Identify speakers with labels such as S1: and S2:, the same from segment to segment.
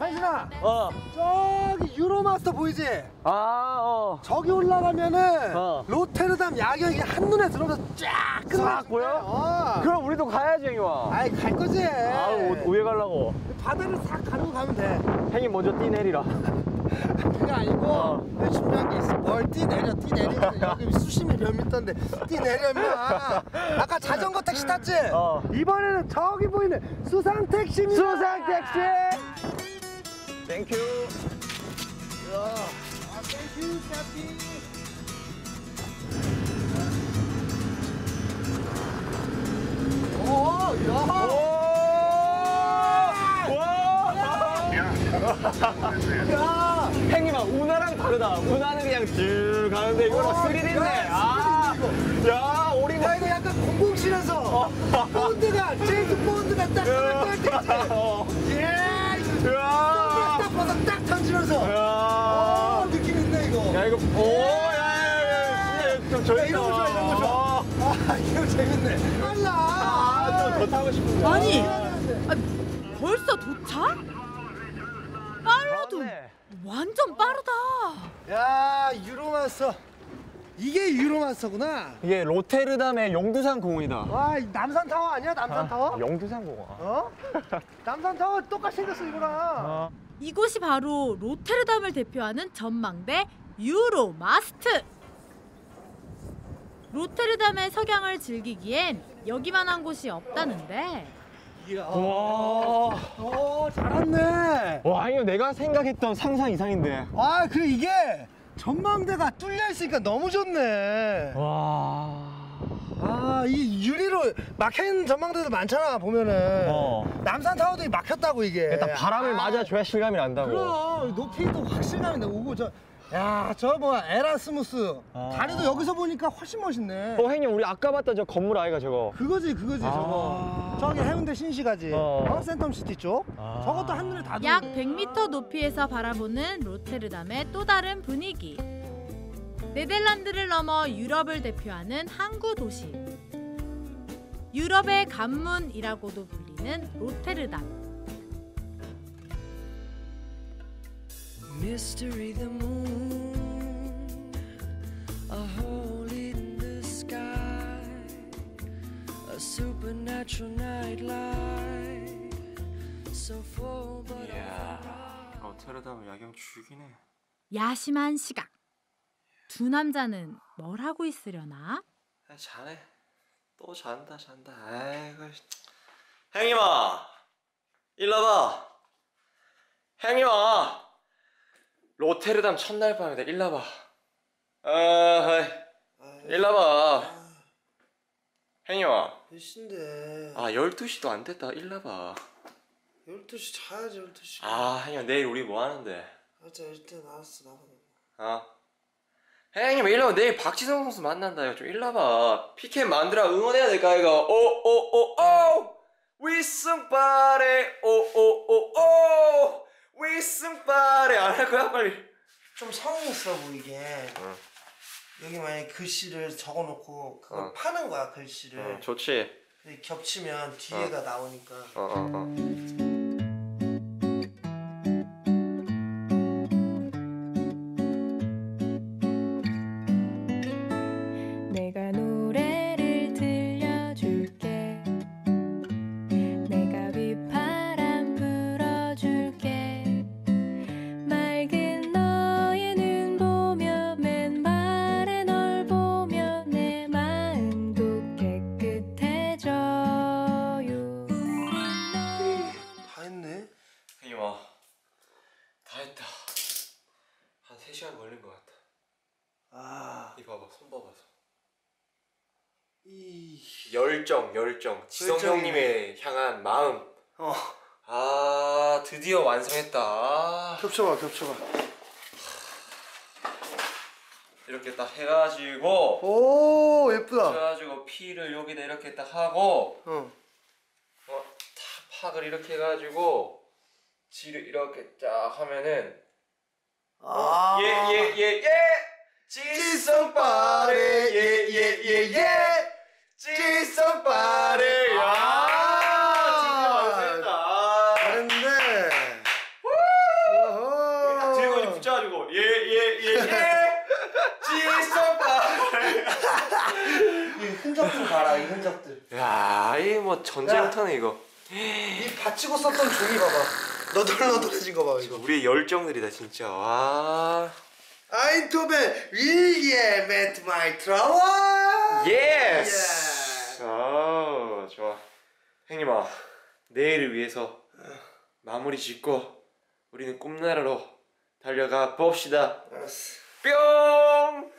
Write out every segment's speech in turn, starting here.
S1: 한신아. 저기 유로마스터 보이지? 저기 올라가면은 로테르담 야경이 한눈에 들어오면서 쫙
S2: 싹 보여? 그럼 우리도 가야지, 형님아.
S1: 아이, 갈 거지.
S2: 왜 가려고?
S1: 바다를 싹 가르고 가면 돼.
S2: 형님 먼저 뛰 내리라.
S1: 그게 아니고 내가 준비한 게 있어. 뭘 뛰내려. 여기 수심이 몇 미터인데 뛰내려면 아까 자전거 택시 탔지? 이번에는 저기 보이는 수상 택시입니다.
S2: 수상 택시. 땡큐.
S1: 땡큐 카피.
S2: 야, 형님아, 운하랑 다르다. 운하는 그냥 쭉 가는데 이거는 스릴인데. 야, 오리가
S1: 이거 약간 007에서 본드가 제임스 본드가 딱 떨어질 때 예, 딱 벗어 딱 던지면서 느낌 있네 이거.
S2: 야, 이거 좀
S1: 야, 이런 거 좋아. 이거 재밌네. 빨라.
S2: 더 타고 싶은데.
S3: 아니, 벌써 도착? 빨라도 완전 빠르다.
S1: 야, 유로마스터. 이게 유로마스터구나.
S2: 이게 로테르담의 용두산 공원이다.
S1: 와, 남산타워 아니야? 남산타워?
S2: 용두산 공원.
S1: 남산타워 똑같이 생겼어 이거랑.
S3: 이곳이 바로 로테르담을 대표하는 전망대 유로마스트. 로테르담의 석양을 즐기기엔 여기만한 곳이 없다는데.
S1: 이야.
S2: 와.
S1: 잘 왔네.
S2: 와, 이거 내가 생각했던 상상 이상인데.
S1: 그래 이게 전망대가 뚫려 있으니까 너무 좋네.
S2: 와.
S1: 이 유리로 막힌 전망대도 많잖아 보면은. 남산타워도 막혔다고 이게.
S2: 일단 바람을 맞아줘야 실감이 난다고.
S1: 그럼 높이도 확실감이 나고 저 뭐야 에라스무스 다리도 여기서 보니까 훨씬 멋있네.
S2: 형님, 우리 아까 봤던 저 건물 아이가 저거.
S1: 그거지 저거. 저기 해운대 신시가지. 센텀시티 쪽. 저것도 한눈에 다
S3: 약
S1: 들어오네.
S3: 100m 높이에서 바라보는 로테르담의 또 다른 분위기. 네덜란드를 넘어 유럽을 대표하는 항구 도시. 유럽의 관문이라고도 불리는 로테르담.
S4: Mystery the moon, a hole in the sky, a supernatural nightlight, so full but
S2: 로테르담 야경 죽이네.
S3: 야심한 시각. 두 남자는 뭘 하고 있으려나?
S2: 자네. 또 잔다. 아이고. 형님아, 일로 와봐. 형님아, 로테르담 첫날 밤이다. 일로 와봐. 일로 와봐. 형님아.
S1: 몇 시인데?
S2: 12시도 안 됐다. 일로 와봐.
S1: 12시 자야지 12시.
S2: 형님, 내일 우리 뭐 하는데?
S1: 일단 알았어 나가.
S2: 형님, 일로 와. 내일 박지성 선수 만난다. 좀 일로 와봐. 피켓 만들어 응원해야 될까 이거. 오오오오 위승빠레 오오오오 위승빠레 안 할 거야 빨리.
S1: 좀 성의 있어 보이게. 여기 만약에 글씨를 적어놓고 그걸 파는 거야 글씨를.
S2: 좋지.
S1: 겹치면 뒤에가 나오니까.
S4: 내가 노래를 들려줄게. 내가 휘파람 불어줄게. 맑은 너의 눈 보며 맨발에 널 보며 내 마음도 깨끗해져요.
S1: 다 했네.
S2: 형님아, 다 했다. 한 3시간 걸린 것 같다. 이거 봐봐, 손 봐봐. 열정. 지성 형님의 향한 마음. 드디어 완성했다.
S1: 겹쳐봐.
S2: 이렇게 딱 해가지고.
S1: 오 예쁘다.
S2: 그래가지고 피를 여기다 이렇게 딱 하고. 탁 팍을 이렇게 해가지고 지를 이렇게 쫙 하면은. 예. 지성빠레 예. 지성빠레. 진짜 완성했다.
S1: 잘했네.
S2: 해가지고 예 지성파레.
S1: 이 흔적들 봐라, 이 흔적들.
S2: 야, 이 뭐 전쟁터네 이거.
S1: 이 받치고 썼던 종이 봐봐. 너덜너덜해진 거 봐, 이거.
S2: 우리의 열정들이다 진짜. 와.
S1: 아인토벤 윌리엄 앳 마이 트라워.
S2: 예스. 아, 좋아. 형님아, 내일을 위해서 마무리 짓고 우리는 꿈나라로 달려가 봅시다.
S1: 알았어.
S2: 뿅.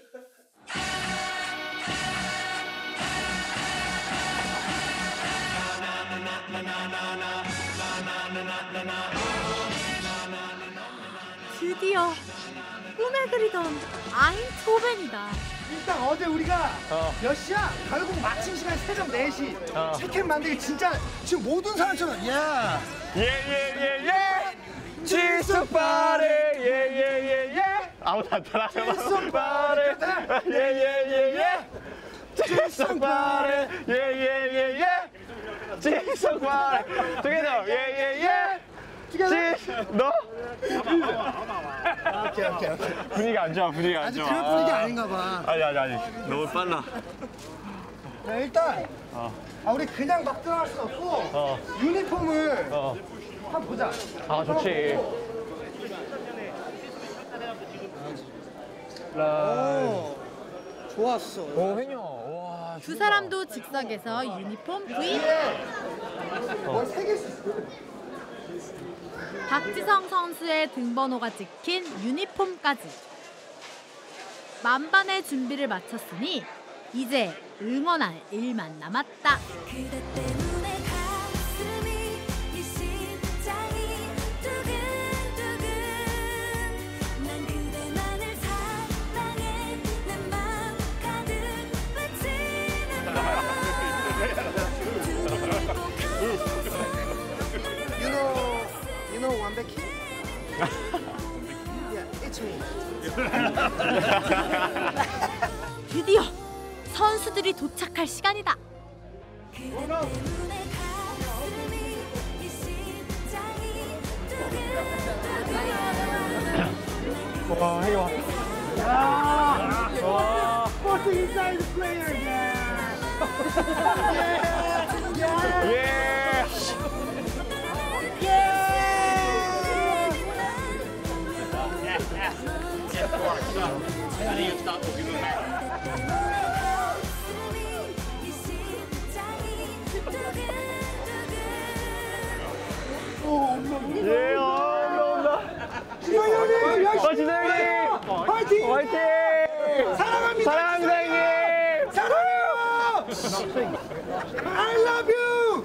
S3: 드디어 꿈에 그리던 아인토벤이다.
S1: 일단 어제 우리가 몇 시야? 결국 마침 시간 새벽 4시. 치킨 만들기 진짜 지금 모든 사람처럼 야.
S2: 예예예예. 지성파레 예예예예. 아무도 안 따라. 지성파레 예예예예. 지성파레 예예예예. 지성파레 together 예예예. 너?
S1: 오케이.
S2: 분위기 안 좋아. 분위기 안
S1: 아직
S2: 좋아.
S1: 그럴 분위기 아닌가 봐.
S2: 아니 너무 빨라.
S1: 야, 일단 우리 그냥 막 들어갈 수 없고 유니폼을 한번 보자.
S2: 아 좋지.
S1: 오, 좋았어.
S2: 오 횡령. 와.
S3: 두 사람도 즉석에서 유니폼 구입.
S1: 뭘 새길 수 있어.
S3: 박지성 선수의 등번호가 찍힌 유니폼까지. 만반의 준비를 마쳤으니 이제 응원할 일만 남았다.
S4: 그대 때문에 가슴이 이 심장이 두근두근 난 그대만을 사랑해 내 맘 가득 받치는
S1: You know 완벽히? Yeah, it's me.
S3: 드디어 선수들이 도착할 시간이다.
S4: 그대 때문에 가슴이 이 심장이 두근두근
S2: 와 횡령.
S1: What's the inside the player? Yeah.
S2: 예.
S4: 이 심장이 두근두근
S2: 예. 온다.
S1: 지성 형님 열심히
S2: 진영이.
S1: 파이팅!
S2: 화이팅.
S1: 사랑합니다.
S2: 사랑합니다 형님.
S1: 사랑해요. I love you.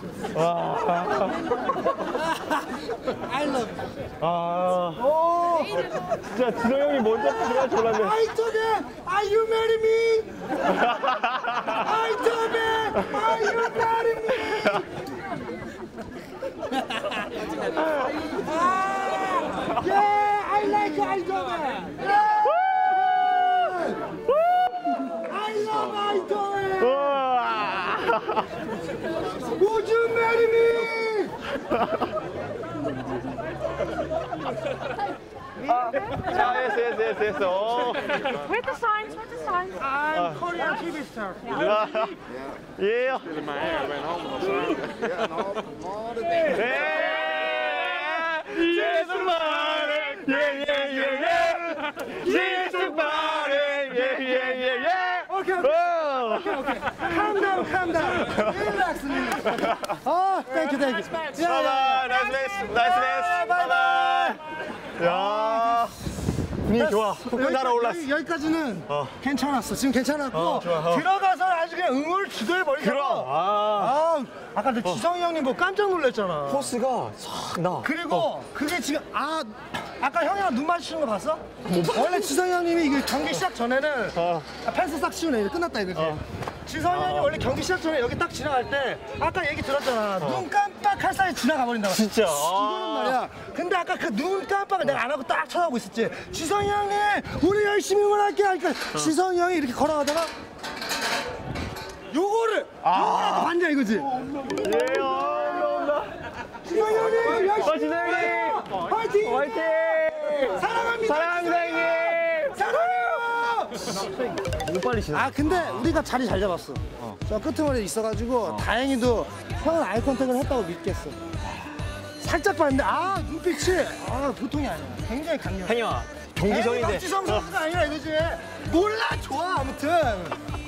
S1: I love you.
S2: 아. 진짜 진호 형이 먼저 들어갈 줄 몰랐네.
S1: 아이토베, are you marry me? 아이토베, are you marry me? Yeah, I like 아이토베. I love 아이토베. Would you marry me?
S2: yes. 오.
S3: Where's the signs? Where's the signs?
S1: I'm Korean TV star.
S2: 예.
S1: Okay. Calm down. Relax. Oh, thank you. Yeah.
S2: 나이스. 바이바이. 야. 분위기 좋아. 훅 날아올랐어.
S1: 여기까지는 괜찮았어. 지금 괜찮았고
S2: 좋아.
S1: 들어가서 아주 그냥 응원을 주도해 버리잖아.
S2: 그럼.
S1: 아까 근데 지성이 형님 뭐 깜짝 놀랐잖아.
S2: 포스가 싹 나.
S1: 그리고 그게 지금 아까 형이랑 눈 마주치는 거 봤어? 원래 지성이 형님이 이게 경기 시작 전에는 펜스 싹 씌우네. 이거 끝났다 이거지. 지성이 형이 원래 경기 시작 전에 여기 딱 지나갈 때 아까 얘기 들었잖아. 눈 깜빡할 사이 지나가 버린다고.
S2: 진짜.
S1: 이거는 말이야. 근데 아까 그 눈 깜빡을 내가 안 하고 딱 쳐다보고 있었지. 지성이 형님, 우리 열심히 응원할게 하니까 지성이 형이 이렇게 걸어가다가 요거를 봤냐 이거지.
S2: 예. 온다.
S1: 지성이 형님 열심히
S2: 진영이.
S1: 파이팅!
S2: 화이팅.
S1: 사랑합니다.
S5: 사랑합니다 형님.
S1: 사랑해요.
S5: 너무 빨리 지나.
S1: 아 근데 우리가 자리 잘 잡았어. 저 끄트머리에 있어가지고 다행히도 형은 아이 컨택을 했다고 믿겠어. 살짝 봤는데 눈빛이 보통이 아니야. 굉장히 강렬해.
S5: 형님아 경기선인데.
S1: 박지성 선수가 아니라 이거지. 몰라 좋아 아무튼.